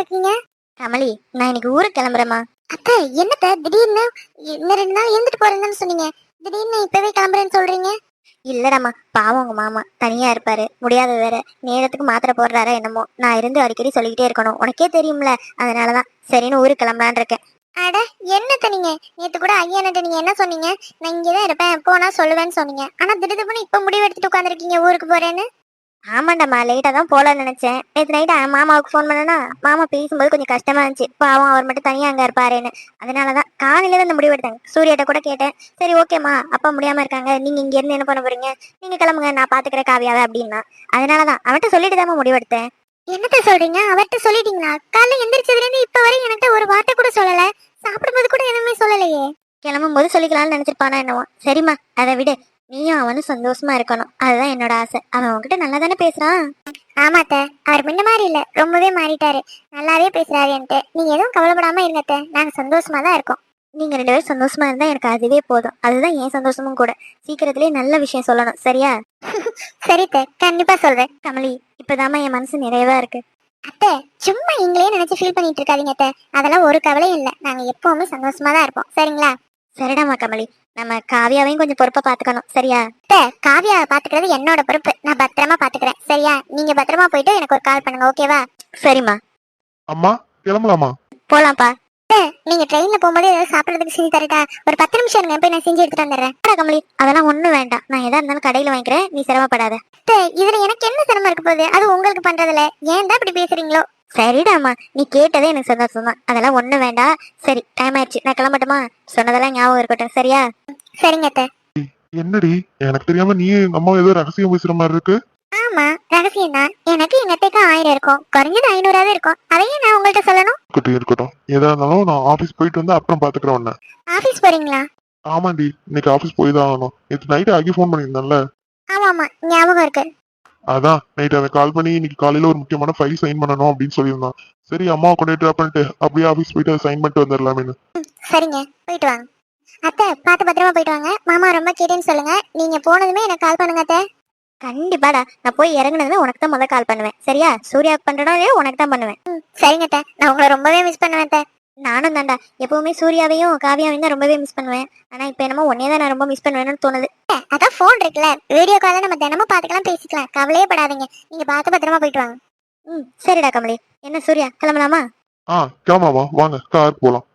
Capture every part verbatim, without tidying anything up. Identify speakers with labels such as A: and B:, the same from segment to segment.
A: இருக்கீங்க?
B: கமலி, நான் இன்னைக்கு ஊருக்கு கிளம்புறேம்மா.
A: அத்தை, என்னத்த திடீர்னு இன்னும் ரெண்டு நாள் இருந்துட்டு போறேன்னு சொன்னீங்க. திடீர்னு இப்பவே கிளம்புறேன்னு சொல்றீங்க?
B: இல்லடாம்மா, பாவம் உங்க மாமா தனியா இருப்பாரு, முடியாத வேற, நேரத்துக்கு மாத்திரை போடுறாரா என்னமோ. நான் இருந்து அடிக்கடி சொல்லிக்கிட்டே இருக்கணும், உனக்கே தெரியும்ல. அதனாலதான் சரின்னு ஊருக்கு கிளம்பலான் இருக்கேன்.
A: அட, என்னத்த நீங்க நேத்து கூட ஐயான்ட்ட நீங்க என்ன சொன்னீங்க? நான் இங்கதான் இருப்பேன், போனா சொல்லுவேன்னு சொன்னீங்க. ஆனா திடீர்னு இப்ப முடிவு எடுத்துட்டு உட்காந்துருக்கீங்க ஊருக்கு போறேன்னு.
B: ஆமாண்டாம்மா, லேட்டா தான் போலான்னு நினைச்சேன். நேற்று நைட்டு மாமாவுக்கு ஃபோன் பண்ணனா, மாமா பேசும்போது கொஞ்சம் கஷ்டமா இருந்துச்சு. பாவம் அவர் மட்டும் தனியா அங்க இருப்பாருன்னு. அதனாலதான் காலையில தான் இந்த முடிவு எடுத்தேன். சூர்யாட்ட கூட கேட்டேன். சரி ஓகேம்மா, அப்பா முடியாம இருக்காங்க, நீங்க இங்க இருந்து என்ன பண்ண போறீங்க, நீங்க கிளம்புங்க, நான் பாத்துக்கிறேன் காவியாவை அப்படின்னா. அதனாலதான் அவன்கிட்ட சொல்லிட்டு தான் முடிவெடுத்தேன்.
A: என்னத்த சொல்றீங்க? அவர்கிட்ட சொல்லிட்டீங்களா? காலைல எந்திரிச்சதுல இருந்து இப்ப வரை என்கிட்ட ஒரு வார்த்தை கூட சொல்லல. சாப்பிடும்போது கூட எதுவுமே சொல்லலையே.
B: கிளம்பும் போது சொல்லிக்கலாம்னு நினைச்சிருப்பானா என்னவோ. சரிம்மா, அதை விடு. நீயும் அவனும் சந்தோஷமா இருக்கணும், அதுதான் என்னோட ஆசை. அவன் உன்கிட்ட நல்லா தானே பேசுறான்.
A: ஆமாத்த, அவர் முன்ன மாதிரி இல்ல, ரொம்பவே மாறிட்டாரு. நல்லாவே பேசுறாரு என்கிட்ட. நீங்க எதுவும் கவலைப்படாம இருங்கத்த, நாங்க சந்தோஷமா தான் இருக்கோம்.
B: நீங்க ரெண்டு பேரும் சந்தோஷமா இருந்தா எனக்கு அதுவே போதும். அதுதான் என் சந்தோஷமும் கூட. சீக்கிரத்திலே நல்ல விஷயம் சொல்லணும், சரியா?
A: சரித்த, கண்டிப்பா சொல்றேன்.
B: கமலி, இப்பதாம்மா என் மனசு நிறைவா இருக்கு.
A: அத்தை, சும்மா நீங்களே நினைச்சு ஃபீல் பண்ணிட்டு இருக்காதீங்க அத்தை. அதெல்லாம் ஒரு கவலையும் இல்ல. நாங்க எப்பவுமே சந்தோஷமா தான் இருப்போம், சரிங்களா?
B: சரிடாமா கமலி, நம்ம காவியாவையும் கொஞ்சம் பொறுப்பா பாத்துக்கணும், சரியா?
A: அத்தை, காவியாவை பாத்துக்கிறது என்னோட பொறுப்பு. நான் பத்திரமா பாத்துக்கிறேன், சரியா? நீங்க பத்திரமா போயிட்டு எனக்கு ஒரு கால் பண்ணுங்க, ஓகேவா?
B: சரிம்மா.
C: அம்மா, கிளம்பலாமா?
B: போலாம்ப்பா.
A: நீங்க ட்ரெயின்ல போகும்போது ஏதாவது சாப்பிடறதுக்கு செஞ்சு தரட்டா? ஒரு பத்து நிமிஷம் இருங்க, போய் நான் செஞ்சு எடுத்துட்டு வந்துடுறேன்.
B: கமலி, அதெல்லாம் ஒண்ணும் வேண்டாம். நான் எதா இருந்தாலும் கடையில வாங்கிக்கிறேன், நீ சிரமப்படாத.
A: இதுல எனக்கு என்ன சிரமம் இருக்க போகுது? அது உங்களுக்கு பண்றதுல ஏன் தான் இப்படி பேசுறீங்களோ?
B: சரிடாமா, நீ கேட்டதே எனக்கு சந்தோஷம் தான். அதெல்லாம் ஒண்ணும் வேண்டாம். சரி, டைம் ஆயிடுச்சு, நான் கிளம்பட்டுமா? சொன்னதெல்லாம் ஞாபகம் இருக்கட்டும், சரியா?
A: சரிங்க அத்தை.
C: என்னடி, எனக்கு தெரியாம நீ அம்மா ஏதோ ரகசியம் பேசுற மாதிரி இருக்கு.
A: ஆமா, ரகசியம் தான். எனக்கு எங்க அத்தைக்கு ஆயிரம் இருக்கும், குறைஞ்சது ஐநூறாவே இருக்கும். அதையே நான் உங்கள்கிட்ட சொல்லணும்?
C: இருக்கட்டும் இருக்கட்டும், எதா இருந்தாலும் நான் ஆபீஸ் போயிட்டு வந்து அப்புறம் பாத்துக்கிறேன் உன்ன.
A: ஆபீஸ் போறீங்களா?
C: ஆமாண்டி, இன்னைக்கு ஆபீஸ் போய் தான் ஆகணும். நேற்று நைட்டு ஆகி ஃபோன் பண்ணியிருந்தேன்ல.
A: ஆமா ஆமா, ஞாபகம் இருக்கு.
C: அதான் நைட் அவன் கால் பண்ணி இன்னைக்கு காலையில ஒரு முக்கியமான ஃபைல் சைன் பண்ணணும் அப்படின்னு சொல்லியிருந்தான். சரி, அம்மாவை கொண்டு ட்ராப் பண்ணிட்டு அப்படியே ஆபீஸ் போயிட்டு சைன் பண்ணிட்டு வந்துடலாமேன்னு.
A: சரிங்க, போயிட்டு வாங்க. அத்தை, பார்த்து பத்திரமா போயிட்டு வாங்க. மாமா ரொம்ப கேட்டேன்னு சொல்லுங்க. நீங்க போனதுமே எனக்கு கால் பண்ணுங்க அத்தை.
B: கண்டிப்பாடா, நான் போய் இறங்குனதுமே உனக்கு தான் முதல் கால் பண்ணுவேன், சரியா? சூர்யாவுக்கு பண்றனோ இல்லையோ உனக்கு தான் பண்ணுவேன்.
A: சரிங்க அத்தை, நான் உங்களை ரொம்பவே மிஸ் பண்ணுவேன் அத்தை.
B: நானும் தான்டா, எப்பவுமே சூர்யாவையும் காவியாவையும் தான் ரொம்பவே மிஸ் பண்ணுவேன். ஆனா இப்ப என்னமோ உன்னையே தான் நான் ரொம்ப மிஸ் பண்ணுவேன்னு தோணுது.
A: அதான் போன் இருக்குல்ல, வீடியோ கால நம்ம தினமும் பாத்துக்கலாம், பேசிக்கலாம். கவலையே படாதீங்க. நீங்க பார்த்து பத்திரமா போயிட்டு வாங்க.
B: ம், சரிடா கமலி. என்ன சூர்யா, கிளம்பலாமா?
C: ஆ, கிளம்பாமா, வாங்க கார் போலாம்.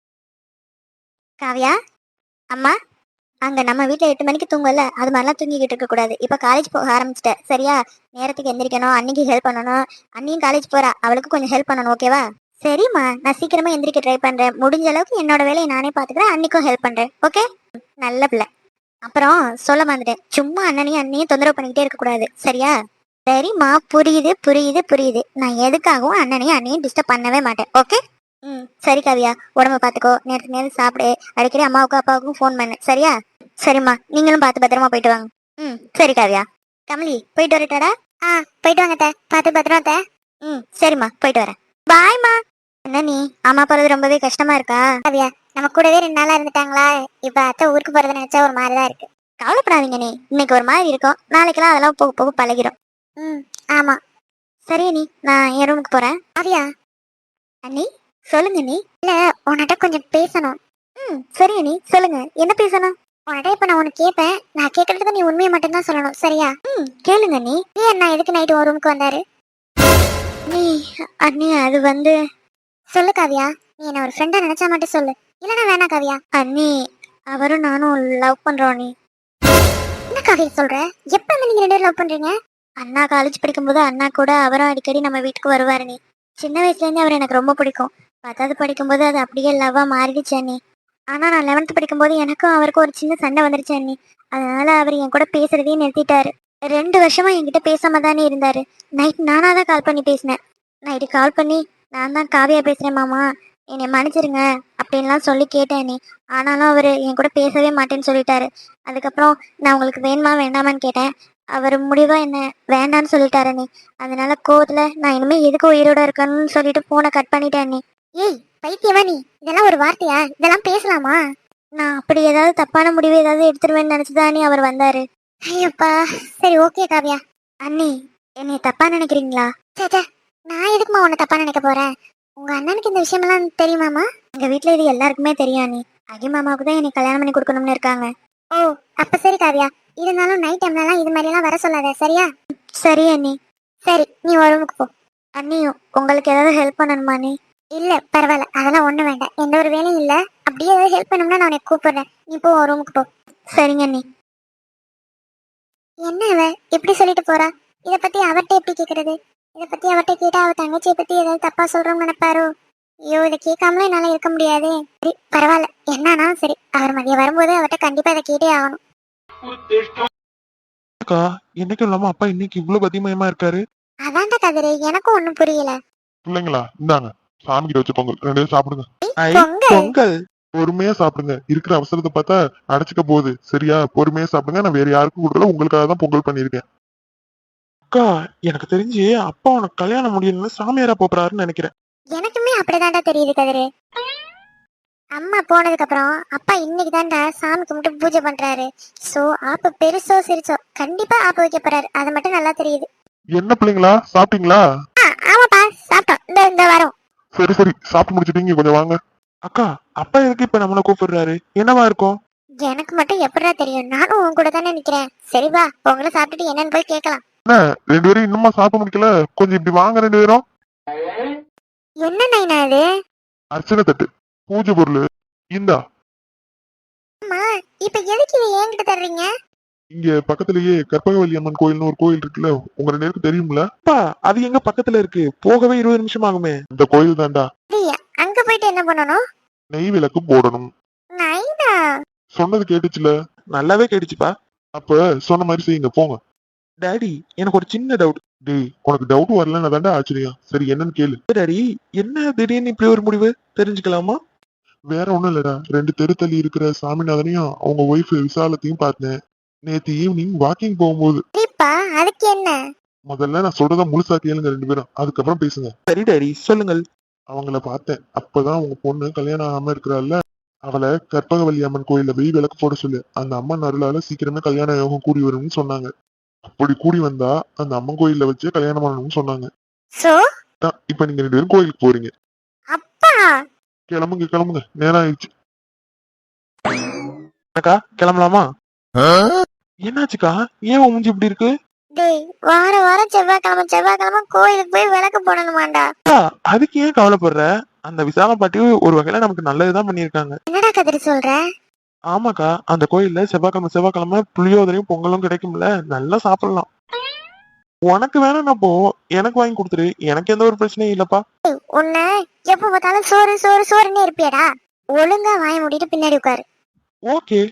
B: காவியா, அம்மா, அங்க நம்ம வீட்டுல எட்டு மணிக்கு தூங்கல, அது மாதிரிலாம் தூங்கிக்கிட்டு இருக்க கூடாது. இப்ப காலேஜ் போக ஆரம்பிச்சிட்ட, சரியா? நேரத்துக்கு எந்திரிக்கணும், அன்னைக்கு ஹெல்ப் பண்ணணும். அன்னையும் காலேஜ் போறா, அவளுக்கு கொஞ்சம் ஹெல்ப் பண்ணணும், ஓகேவா? சரிம்மா, நான் சீக்கிரமா எந்திரிக்க ட்ரை பண்றேன். முடிஞ்ச அளவுக்கு என்னோட வேலையை நானே பாத்துக்கிறேன், அன்னைக்கும் ஹெல்ப் பண்றேன், ஓகே? நல்ல பிள்ளை. அப்புறம் சொல்ல மாட்டேன், சும்மா அண்ணனையும் அண்ணையும் தொந்தரவு பண்ணிக்கிட்டே இருக்க கூடாது, சரியா? சரிம்மா, புரியுது புரியுது புரியுது. நான் எதுக்காகவும் அண்ணனையும் அண்ணையும் டிஸ்டர்ப் பண்ணவே மாட்டேன், ஓகே? ம், சரி காவியா, உடம்ப பாத்துக்கோ, நேரத்துக்கு நேரம் சாப்பிடு, அடிக்கடி அம்மாவுக்கும் அப்பாவுக்கும் ஃபோன் பண்ணு, சரியா? சரிம்மா, நீங்களும் பார்த்து பத்திரமா போயிட்டு வாங்க. ம், சரி காவியா. கமலி, போயிட்டு வரட்டாடா?
A: ஆ, போயிட்டு வாங்க அத்தை, பார்த்து பத்திரமா அத்தை.
B: ம், சரிம்மா, போயிட்டு வரேன். பாய்மா. என்ன நீ, அம்மா போறது ரொம்பவே கஷ்டமா இருக்கா?
A: காவியா, நம்ம கூடவே ரெண்டு நாளா இருந்துட்டாங்களா, இப்ப அத்தை ஊருக்கு போறதை நினைச்சா ஒரு மாதிரிதான் இருக்கு.
B: கவலைப்படாதீங்க நீ, இன்னைக்கு ஒரு மாதிரி இருக்கும், நாளைக்கெல்லாம் அதெல்லாம் போக போக பழகிடும்.
A: ம், ஆமா.
B: சரி நீ, நான் என் ரூமுக்கு போறேன்.
A: காவியா,
B: அண்ணி, சொல்லுங்க நீ.
A: இல்ல, உன்கிட்ட கொஞ்சம் பேசணும்.
B: ம், சரி நீ, சொல்லுங்க, என்ன பேசணும்?
A: உன்கிட்ட இப்ப நான் உனக்கு கேட்பேன். நான் கேட்கறதுக்கு நீ உண்மையை மட்டும்தான் சொல்லணும், சரியா?
B: ம், கேளுங்க நீ.
A: ஏன் நான் எதுக்கு நைட்டு ஒரு ரூமுக்கு வந்தாரு?
B: நீ, அண்ணி, அது வந்து.
A: சொல்லு காவியா, நீ என்ன ஒரு ஃப்ரெண்டா நினைச்சா மட்டும் சொல்லு, இல்லனா வேணாம் காவியா.
B: அண்ணி, அவரும் நானும் லவ் பண்றோம் நீ.
A: என்ன காவியா சொல்ற? எப்ப இருந்து நீங்க ரெண்டு பேரும் லவ் பண்றீங்க?
B: அண்ணா காலேஜ் படிக்கும்போது அண்ணா கூட அவரும் அடிக்கடி நம்ம வீட்டுக்கு வருவாரு நீ. சின்ன வயசுல இருந்து அவர் எனக்கு ரொம்ப பிடிக்கும். பத்தாவது படிக்கும்போது அது அப்படியே லவ்வா மாறிடுச்சு அண்ணி. ஆனா நான் லெவன்த் படிக்கும்போது எனக்கும் அவருக்கும் ஒரு சின்ன சண்டை வந்துருச்சு அண்ணி. அதனால அவர் என் கூட பேசுறதையே நிறுத்திட்டாரு. ரெண்டு வருஷமா என்கிட்ட பேசாம தானே இருந்தாரு. நைட் நானா தான் கால் பண்ணி பேசினேன். நைட்டு கால் பண்ணி, நான் தான் காவியா பேசுறேன் மாமா, என்னை மன்னிச்சிருங்க அப்படின்லாம் சொல்லி கேட்டேன் நீ. ஆனாலும் அவர் என் கூட பேசவே மாட்டேன்னு சொல்லிட்டாரு. அதுக்கப்புறம் நான் உங்களுக்கு வேணுமா வேண்டாமான்னு கேட்டேன். அவர் முடிவா என்ன வேண்டான்னு சொல்லிட்டாரு நீ. அதனால கோவத்துல நான் இனிமே எதுக்கு உயிரோட இருக்கணும்னு சொல்லிட்டு போனை கட் பண்ணிட்டேன் நீ.
A: ஏய் பைத்தியமா நீ, இதெல்லாம் ஒரு வார்த்தையா? இதெல்லாம் பேசலாமா?
B: நான் அப்படி ஏதாவது தப்பான முடிவு ஏதாவது எடுத்துருவேன்னு நினைச்சுதான் நீ அவர் வந்தாரு.
A: ஐயப்பா, சரி ஓகே காவியா.
B: அண்ணி, என்னை தப்பா நினைக்கிறீங்களா?
A: சேச்சே, நான் எதுக்குமா உன்னை தப்பா நினைக்க போறேன்? உங்க அண்ணனுக்கு இந்த விஷயமெல்லாம் தெரியுமாமா?
B: எங்க வீட்ல இது எல்லாருக்குமே தெரியும் நீ. அகி மாமாவுக்கு தான் என்னை கல்யாணம் பண்ணி கொடுக்கணும்னு இருக்காங்க.
A: ஓ அப்ப சரி காவியா, இருந்தாலும் நைட் டைம்லலாம் இது மாதிரி எல்லாம் வர சொல்லாத சரியா?
B: சரி அண்ணி.
A: சரி நீ ஒரு ரூமுக்கு போ.
B: அண்ணியும் உங்களுக்கு ஏதாவது ஹெல்ப் பண்ணணுமா நீ?
A: இல்ல பரவாயில்ல, அதெல்லாம் ஒண்ணு வேண்டாம், எந்த ஒரு வேலையும் இல்ல. அப்படியே ஏதாவது ஹெல்ப் பண்ணணும்னா நான் உனக்கு கூப்பிடுறேன், நீ போ ஒரு ரூமுக்கு போ.
B: சரிங்க அண்ணி.
A: என்ன அவ இப்படி சொல்லிட்டு போறா? இத பத்தி அவர்கிட்ட எப்படி கேக்குறது? இத பத்தி அவர்கிட்ட கேட்டா அவ தங்கச்சியை பத்தி ஏதாவது தப்பா சொல்றோம்னு நினைப்பாரோ? ஐயோ இதை கேட்காமலும் என்னால இருக்க முடியாதே. சரி பரவாயில்ல, என்னன்னா சரி, அவர் மதியம் வரும்போது அவர்கிட்ட கண்டிப்பா இதை கேட்டே ஆகணும்.
C: அக்கா என்னைக்கும் இல்லாம அப்பா இன்னைக்கு இவ்வளவு பதிமயமா இருக்காரு.
A: அதான்டா கதிரு, எனக்கும் ஒண்ணும் புரியல.
C: பிள்ளைங்களா இந்தாங்க சாமி கிட்ட வச்ச பொங்கல் ரெண்டு பேரும் சாப்பிடுங்க.
A: பொங்கல்?
C: பொங்கல் பொறுமையா சாப்பிடுங்க, இருக்கிற அவசரத்தை பார்த்தா அடைச்சுக்க போகுது. சரியா, பொறுமையா சாப்பிடுங்க. நான் வேற யாருக்கும் கொடுக்கல, உங்களுக்காக தான் பொங்கல் பண்ணிருக்கேன். அக்கா எனக்கு தெரிஞ்சு அப்பா உனக்கு கல்யாணம் முடியணும்னு சாமியாரா போறாருன்னு நினைக்கிறேன்.
A: எனக்குமே அப்படிதான்டா தெரியுது கதிரு. அம்மா போனதுக்கு அப்புறம் அப்பா இன்னைக்கு தான்டா சாமி கும்பிட்டு பூஜை பண்றாரு. சோ ஆப்ப பெருசோ சிரிச்சோ கண்டிப்பா ஆப்ப வைக்க போறாரு, அது மட்டும் நல்லா தெரியுது.
C: என்ன பிள்ளைங்களா சாப்பிட்டீங்களா?
A: ஆமாப்பா சாப்பிட்டோம், இந்த இந்த வரோம்.
C: சரி சரி சாப்பிட்டு முடிச்சிட்டீங்க, கொஞ்சம் வாங்க. அக்கா அப்பா எதுக்கு இப்ப நம்மள கூப்பிடுறாரு, என்னவா இருக்கும்?
A: எனக்கு மட்டும் எப்படிடா தெரியும், நானும் உன் கூட தானே நிக்கிறேன். சரி வா பொங்கலை சாப்பிட்டுட்டு என்னன்னு போய் கேட்கலாம்.
C: என்ன ரெண்டு பேரும் இன்னுமா சாப்பிட முடிக்கல? கொஞ்சம் இப்படி வாங்க ரெண்டு பேரும்.
A: என்ன நைனா இது?
C: அர்ச்சனை தட்டு, பூஜை பொருள் இந்தா.
A: அம்மா இப்ப எதுக்கு இதை என்கிட்ட தர்றீங்க?
C: இங்க பக்கத்துலயே கற்பகவல்லி அம்மன் கோயில்னு ஒரு கோயில் இருக்குல்ல, உங்க ரெண்டு பேருக்கு தெரியும்ல? அது எங்க பக்கத்துல இருக்கு, போகவே இருபது நிமிஷம் ஆகுமே. இந்த கோயில் தான்டா.
A: இல்லையா, அங்க போயிட்டு என்ன பண்ணணும்?
C: நெய் விளக்கு போடணும்.
A: நைனா
C: சொன்னது கேட்டுச்சுல? நல்லாவே கேட்டுச்சுப்பா. அப்ப சொன்ன மாதிரி செய்யுங்க, போங்க. டாடி எனக்கு ஒரு சின்ன டவுட். டேய் உனக்கு டவுட் வரலன்னு தாண்டா ஆச்சரியம். சரி என்னன்னு கேளு. டாடி என்ன திடீர்னு இப்படி ஒரு முடிவு, தெரிஞ்சுக்கலாமா? வேற ஒண்ணும் இல்லடா, ரெண்டு தெரு தள்ளி இருக்கிற சாமிநாதனையும் அவங்க ஒய்ஃப் விசாலத்தையும் பார்த்தேன் நேத்து ஈவினிங் வாக்கிங் போகும்போது.
A: சரிப்பா, அதுக்கு என்ன?
C: முதல்ல நான் சொல்றத முழுசா கேளுங்க ரெண்டு பேரும், அதுக்கப்புறம் பேசுங்க. சரி டாடி சொல்லுங்கள். அவங்கள பார்த்தேன், அப்பதான் அவங்க பொண்ணு கல்யாணம் ஆகாம இருக்கிறாள்ல, அவளை கற்பகவல்லி அம்மன் கோயில்ல போய் விளக்கு போட சொல்லு. அந்த அம்மன் அருளால சீக்கிரமே கல்யாண யோகம் கூடி வரும்னு சொன்னாங்க. அப்படி கூடி வந்தா அந்த அம்மன் கோயில்ல வச்சு கல்யாணம் பண்ணணும்னு சொன்னாங்க.
A: சோ
C: தான் இப்ப நீங்க ரெண்டு பேரும் கோயிலுக்கு போறீங்க.
A: அப்பா
C: கிளம்புங்க கிளம்புங்க, நேரம் ஆயிடுச்சு. அக்கா கிளம்பலாமா? என்னாச்சுக்கா, ஏன் உன் மூஞ்சி இப்படி இருக்கு?
A: டேய் வார வாரம் செவ்வாய்க்கிழமை செவ்வாய்க்கிழமை கோயிலுக்கு போய் விளக்கு போடணுமாண்டா?
C: அக்கா, அதுக்கு ஏன் கவலைப்படுற? அந்த விசால பாட்டி ஒரு வகையில நமக்கு நல்லதுதான் பண்ணிருக்காங்க.
A: என்னடா கதிரி சொல்ற?
C: ஆமாக்கா, அந்த கோயில்ல செவ்வாய்க்கிழமை செவ்வாய்க்கிழமை புளியோதரையும் பொங்கலும் கிடைக்கும்ல, நல்லா சாப்பிடலாம். உனக்கு வேணா போ, எனக்கு வாங்கி கொடுத்துரு, எனக்கு எந்த ஒரு பிரச்சனையும் இல்லப்பா.
A: உன்னை எப்ப பார்த்தாலும் சோறு சோறு சோறுன்னே இருப்பியடா. ஒழுங்கா வாய மூடிட்டு பின்னாடி உட்காரு.
C: ஓகே.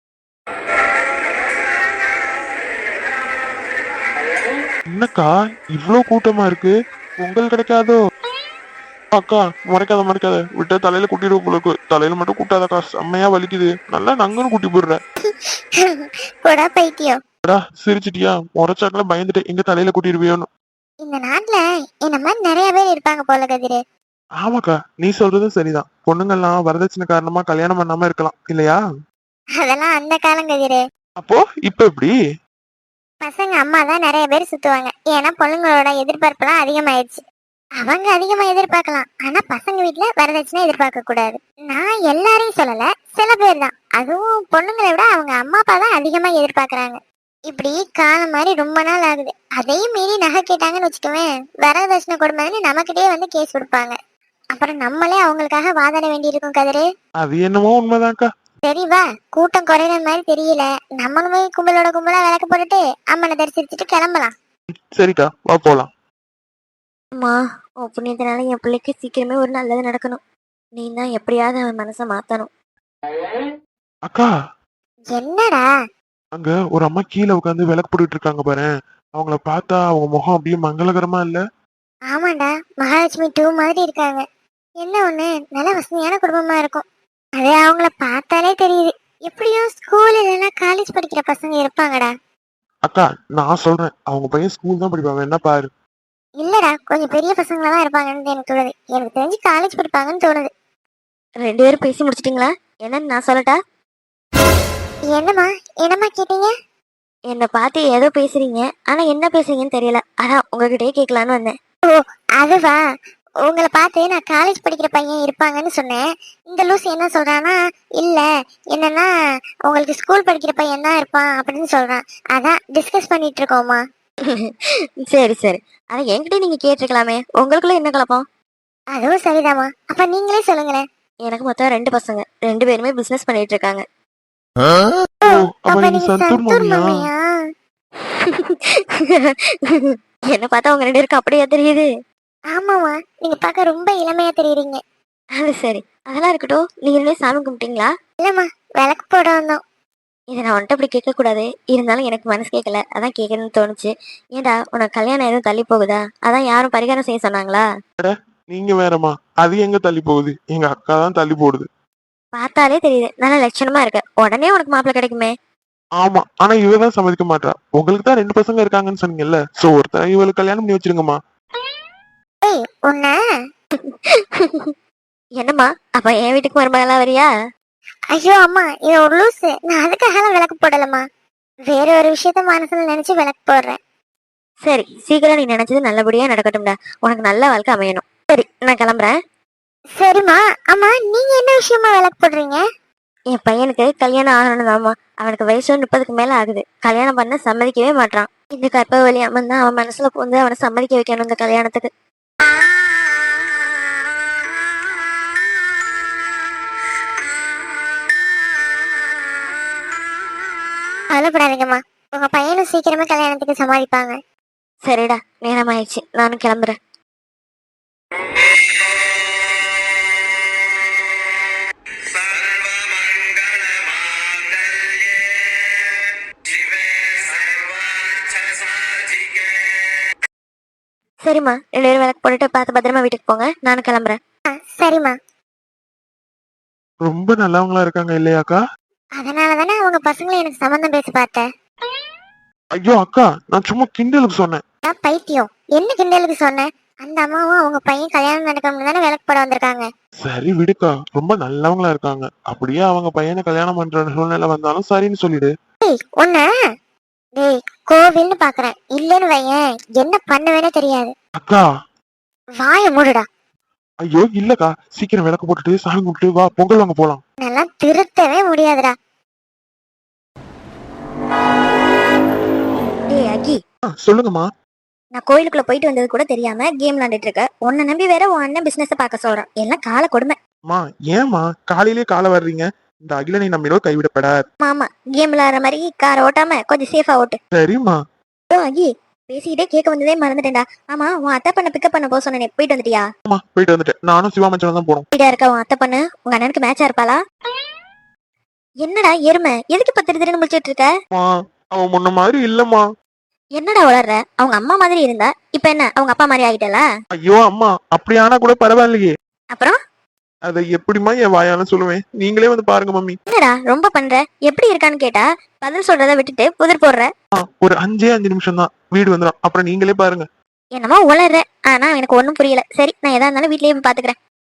C: என்னக்கா இவ்ளோ கூட்டமா இருக்கு, பொங்கல் கிடைக்காதோ? அக்கா முறைக்காத முறைக்காத, விட்ட தலையில கூட்டிடுவோம் உங்களுக்கு. தலையில மட்டும் கூட்டாதக்கா, செம்மையா வலிக்குது. நல்லா நங்குன்னு கூட்டி போடுற.
A: போடா பைத்தியம்.
C: சிரிச்சிட்டியா? முறைச்சாக்கல பயந்துட்டு எங்க தலையில கூட்டிடுவியோன்னு.
A: இந்த நாட்டுல என்ன மாதிரி நிறைய பேர் இருப்பாங்க போல கதிரு.
C: ஆமாக்கா நீ சொல்றதும் சரிதான், பொண்ணுங்கெல்லாம் வரதட்சணை காரணமா கல்யாணம் பண்ணாம இருக்கலாம் இல்லையா?
A: அதெல்லாம் அந்த காலம் கதிரு.
C: அப்போ இப்ப எப்படி?
A: பசங்க அம்மா தான் நிறைய பேர் சுத்துவாங்க, ஏன்னா பொண்ணுங்களோட எதிர்பார்ப்பு எல்லாம் அதிகமாயிடுச்சு. அவங்க அதிகமா எதிர்பார்க்கலாம், ஆனா பசங்க வீட்டுல வரதட்சணை எதிர்பார்க்க கூடாது. நான் எல்லாரையும் சொல்லல, சில பேர் தான். அதுவும் பொண்ணுங்களை விட அவங்க அம்மா அப்பா தான் அதிகமா எதிர்பார்க்கறாங்க. இப்படி காலம் மாதிரி ரொம்ப நாள் ஆகுது. அதையும் மீறி நகை கேட்டாங்கன்னு வச்சுக்கோவேன், வரதட்சணை கொடுமைன்னு நமக்கிட்டே வந்து கேஸ் கொடுப்பாங்க. அப்புறம் நம்மளே அவங்களுக்காக வாதாட வேண்டி இருக்கும் கதிரு.
C: அது என்னமோ உண்மைதான்க்கா.
A: சரி வா, கூட்டம் குறையிற மாதிரி தெரியல, நம்மளுமே கும்பலோட கும்பலா விளக்கு போட்டுட்டு அம்மனை தரிசிச்சுட்டு கிளம்பலாம்.
C: சரிக்கா வா போலாம்.
B: அம்மா உன் புண்ணியத்தினால என் பிள்ளைக்கு சீக்கிரமே ஒரு நல்லது நடக்கணும். நீ தான் எப்படியாவது அவன் மனசை மாத்தணும்.
C: அக்கா
A: என்னடா?
C: அங்க ஒரு அம்மா கீழே உட்காந்து விளக்கு போட்டுட்டு இருக்காங்க பாரு, அவங்கள பார்த்தா அவங்க முகம் அப்படியே மங்களகரமா இல்ல?
A: ஆமாண்டா, மகாலட்சுமி டூ மாதிரி இருக்காங்க. என்ன ஒண்ணு, நல்ல வசதியான குடும்பமா இருக்கும். அது அவங்கள பார்த்தாலே தெரியுது. எப்படியும் ஸ்கூல் இல்லைன்னா காலேஜ் படிக்கிற பசங்க இருப்பாங்கடா.
C: அக்கா நான் சொல்றேன், அவங்க பையன் ஸ்கூல் தான் படிப்பாங்க, என்ன பாரு.
A: இல்லடா, கொஞ்சம் பெரிய பசங்களா தான் இருப்பாங்கன்னு எனக்கு தோணுது. எனக்கு தெரிஞ்சு காலேஜ் படிப்பாங்கன்னு தோணுது.
B: ரெண்டு பேரும் பேசி முடிச்சிட்டீங்களா? என்னன்னு நான் சொல்லட்டா?
A: என்னம்மா என்னம்மா கேட்டீங்க?
B: என்னை பார்த்து ஏதோ பேசுறீங்க, ஆனா என்ன பேசுறீங்கன்னு தெரியல. அதான் உங்ககிட்டயே கேட்கலான்னு வந்தேன்.
A: ஓ அதுவா, உங்களை பார்த்து நான் காலேஜ் படிக்கிற பையன் இருப்பாங்கன்னு சொன்னேன். இந்த லூஸ் என்ன சொல்றான்னா, இல்ல என்னன்னா உங்களுக்கு ஸ்கூல் படிக்கிற பையன் தான் இருப்பான் அப்படின்னு சொல்றான். அதான் டிஸ்கஸ் பண்ணிட்டு இருக்கோமா.
B: சரி சரி, அதை என்கிட்ட நீங்க கேட்டிருக்கலாமே, உங்களுக்குள்ள என்ன குழப்பம்?
A: அதுவும் சரிதாம்மா. அப்ப நீங்களே சொல்லுங்களேன்.
B: எனக்கு மொத்தம் ரெண்டு பசங்க, ரெண்டு பேருமே பிசினஸ் பண்ணிட்டு இருக்காங்க.
C: ஓ, அப்ப
A: அப்ப
C: நீங்க
A: நீங்க
C: சந்தூர்
A: சந்தூர்
C: மாமியா?
A: மாமியா?
B: என்ன பார்த்தா உங்க ரெண்டு பேருக்கு அப்படியே தெரியுது?
A: ஆமாமா, நீங்க பார்க்க ரொம்ப இளமையா தெரியுறீங்க.
B: அது சரி, அதெல்லாம் இருக்கட்டும். நீங்க ரெண்டு பேரும் சாமி கும்பிட்டீங்களா?
A: இல்லம்மா, விளக்கு போட வந்தோம்.
B: இதை நான் வந்துட்டு அப்படி கேட்க கூடாது, இருந்தாலும் எனக்கு மனசு கேட்கல, அதான் கேட்கணும்னு தோணுச்சு. ஏன்டா உனக்கு கல்யாணம் எதுவும் தள்ளி போகுதா? அதான் யாரும் பரிகாரம் செய்ய சொன்னாங்களா?
C: நீங்க வேறம்மா, அது எங்க தள்ளி போகுது? எங்க அக்கா தான் தள்ளி போடுது.
B: பார்த்தாலே தெரியுது, நல்ல லட்சணமா இருக்க, உடனே உனக்கு மாப்பிள்ளை கிடைக்குமே.
C: ஆமா, ஆனா இவதான் சம்மதிக்க மாட்டா. உங்களுக்கு தான் ரெண்டு பசங்க இருக்காங்கன்னு சொன்னீங்கல்ல, சோ ஒருத்தர் இவளுக்கு கல்யாணம் பண்ணி வச்சிருங்கம்மா.
A: ஏய் உன்ன.
B: என்னம்மா, அப்ப என் வீட்டுக்கு மருமகளா வரியா?
A: ஐயோ அம்மா, இது ஒரு லூசு. நான் அதுக்காக விளக்கு போடலம்மா. வேற ஒரு விஷயத்த மனசுல நினைச்சு விளக்கு போடுறேன்.
B: சரி, சீக்கிரம் நீ நினைச்சது நல்லபடியா நடக்கட்டும்டா, உனக்கு நல்ல வாழ்க்கை அமையணும். சரி, நான் கிளம்புறேன்.
A: சரிம்மா. அம்மா, நீங்க என்ன விஷயமா விளக்கு போடுறீங்க?
B: என் பையனுக்கு கல்யாணம் ஆகணும்தாம்மா. அவனுக்கு வயசு முப்பதுக்கு மேல ஆகுது, கல்யாணம் பண்ண சம்மதிக்கவே மாட்டான். இந்த கற்ப வழி அம்மன் தான் அவன் மனசுல பூந்து அவனை சம்மதிக்க வைக்கணும் இந்த கல்யாணத்துக்கு.
A: கவலைப்படாதீங்கம்மா, உங்க பையனும் சீக்கிரமே கல்யாணத்துக்கு சமாளிப்பாங்க.
B: சரிடா, நேரம் ஆயிடுச்சு, நானும் கிளம்புறேன். சரிம்மா, ரெண்டு பேரும் விளக்கு போட்டுட்டு பார்த்து பத்திரமா வீட்டுக்கு போங்க, நானும் கிளம்புறேன்.
A: ஆ, சரிம்மா.
C: ரொம்ப நல்லவங்களா இருக்காங்க இல்லையாக்கா?
A: அதனாலதானே அவங்க பசங்களை எனக்கு சம்மந்தம் பேசி பார்த்தேன்.
C: ஐயோ அக்கா, நான் சும்மா கிண்டலுக்கு சொன்னேன்.
A: நான் பைத்தியம், என்ன கிண்டலுக்கு சொன்னேன்? அந்த அம்மாவும் அவங்க பையன் கல்யாணம் நடக்கணும்னு தானே விளக்கு போட வந்திருக்காங்க.
C: சரி விடுக்கா, ரொம்ப நல்லவங்களா இருக்காங்க. அப்படியே அவங்க பையனை கல்யாணம் பண்ற சூழ்நிலை வந்தாலும் சரின்னு சொல்லிடு.
A: ஏய் உன்ன. டேய், கோவில்னு பாக்குறேன், இல்லன்னு வையேன் என்ன பண்ணுவேனே தெரியாது.
C: அக்கா.
A: வாய மூடுடா.
C: ஐயோ இல்லக்கா, சீக்கிரம் விளக்கு போட்டுட்டு சாமி கும்பிட்டு வா, பொங்கல் வாங்க போலாம்.
A: நல்லா திருத்தவே முடியாதுடா.
B: டேய் அக்கி,
C: ஆ, சொல்லுங்கம்மா.
B: நான் கோயிலுக்குள்ள போயிட்டு வந்தது கூட தெரியாம கேம் விளையாண்டுட்டு இருக்க. உன்னை நம்பி வேற உன் அண்ணன் பிசினஸ் பார்க்க சொல்றான். எல்லாம் கால கொடுமை.
C: அம்மா ஏம்மா காலையிலேயே காலை வர்றீங்க? இந்த அகிலனை நம்பினோ கைவிடப்படாது.
B: மாமா, கேம் விளையாடுற மாதிரி காரை ஓட்டாம கொஞ்சம் சேஃபா ஓட்டு.
C: சரிம்மா.
B: ஓ அகி, பேசிக்கிட்டே கேட்க வந்ததே மறந்துட்டேன்டா. ஆமா, உன் அத்தை பண்ண பிக்கப் பண்ண போக சொன்னேன், போயிட்டு வந்துட்டியா?
C: அம்மா போயிட்டு வந்துட்டேன். நானும் சிவா மச்சானும் தான் போறோம்.
B: வீடா இருக்க உன் அத்தை பண்ணு உங்க அண்ணனுக்கு மேட்சா இருப்பாளா? என்னடா எருமை, எதுக்கு இப்ப திரு திருன்னு முடிச்சிட்டு இருக்க?
C: அம்மா, அவன் முன்ன மாதிரி இல்லம்மா.
B: என்னடா வளர்ற? அவங்க அம்மா மாதிரி இருந்தா இப்ப என்ன அவங்க அப்பா மாதிரி ஆகிட்டல?
C: ஐயோ அம்மா, அப்படி ஆனா கூட பரவாயில்லையே.
B: அப்புறம்
C: அதை எப்படிமா என் வாயால சொல்லுவேன்? நீங்களே வந்து பாருங்க மம்மி.
B: என்னடா ரொம்ப பண்ற? எப்படி இருக்கான்னு கேட்டா பதில் சொல்றத விட்டுட்டு புதிர் போடுற.
C: ஆ, ஒரு அஞ்சே அஞ்சு நிமிஷம் தான், வீடு வந்துடும். அப்புறம் நீங்களே பாருங்க.
B: என்னமோ உளர்ற, ஆனா எனக்கு ஒண்ணும் புரியல. சரி, நான் எதா இருந்தாலும் வீட்லயே போய் பாத்துக்கிறேன்.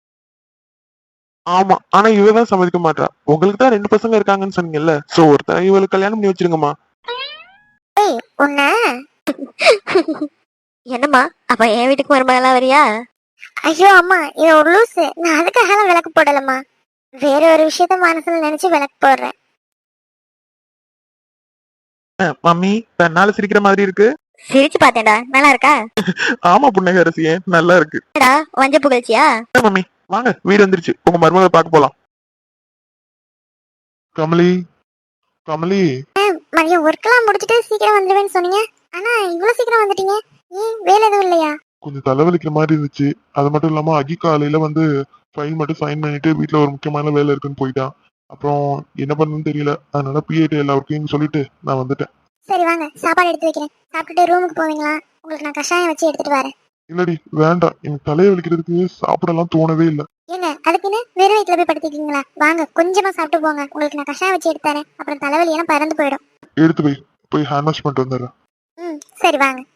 C: ஆமா, ஆனா இவதான் சம்மதிக்க மாட்டா. உங்களுக்கு தான் ரெண்டு பசங்க இருக்காங்கன்னு சொன்னீங்கல்ல, சோ ஒருத்தர் இவளுக்கு கல்யாணம் பண்ணி வச்சிருங்கம்மா.
A: ஏய் உன்ன.
B: என்னம்மா, அப்ப என் வீட்டுக்கு மருமகளா வரியா?
A: ஐயோ அம்மா, இது ஒரு லூசு. நான் அதுக்காக விளக்கு போடலம்மா. வேற ஒரு விஷயத்த மனசுல நினைச்சு விளக்கு போடுறேன்.
C: ஆ, மம்மி தன்னால சிரிக்கிற மாதிரி இருக்கு.
B: சிரிச்சு பாத்தேன்டா, நல்லா இருக்கா?
C: ஆமா புன்னகை அரசியே, நல்லா இருக்கு.
B: என்னடா வஞ்ச புகழ்ச்சியா?
C: ஆ, மம்மி வாங்க, வீடு வந்துருச்சு. உங்க மருமகளை பார்க்க போலாம். கமலி, கமலி.
A: மதியம் ஒர்க்கெல்லாம் முடிச்சுட்டு சீக்கிரம் வந்துடுவேன்னு சொன்னீங்க. ஆனா இவ்வளவு சீக்கிரம் வந்துட்டீங்க. ஏன் வேலை எதுவும் இல்லையா?
C: கொஞ்சம் தலைவலிக்கிற மாதிரி இருந்துச்சு. அது மட்டும் இல்லாம அகி காலையில வந்து ஃபைல் மட்டும் சைன் பண்ணிட்டு வீட்டுல ஒரு முக்கியமான வேலை இருக்குன்னு போயிட்டான். அப்புறம் என்ன பண்ணணும்னு தெரியல, அதனால பிஏடி எல்லா ஒர்க்கையும் சொல்லிட்டு நான் வந்துட்டேன்.
A: சரி வாங்க, சாப்பாடு எடுத்து வைக்கிறேன். சாப்பிட்டுட்டு ரூமுக்கு போவீங்களா? உங்களுக்கு நான் கஷாயம் வச்சு எடுத்துட்டு வரேன்.
C: இல்லடி வேண்டாம், எனக்கு தலையை வலிக்கிறதுக்கு சாப்பிடலாம் தோணவே இல்லை.
A: ஏங்க அதுக்குன்னு வெறும் வயிற்றுல போய் படுத்திக்கீங்களா? வாங்க கொஞ்சமா சாப்பிட்டு போங்க, உங்களுக்கு நான் கஷாயம் வச்சு எடுத்து தரேன். அப்புறம் தலைவலி எல்லாம் பறந்து போயிடும்.
C: எடுத்து போய் போய் ஹேண்ட் வாஷ் பண்ணிட்டு வந்துடுறேன்.
A: ம் சரி வாங்க.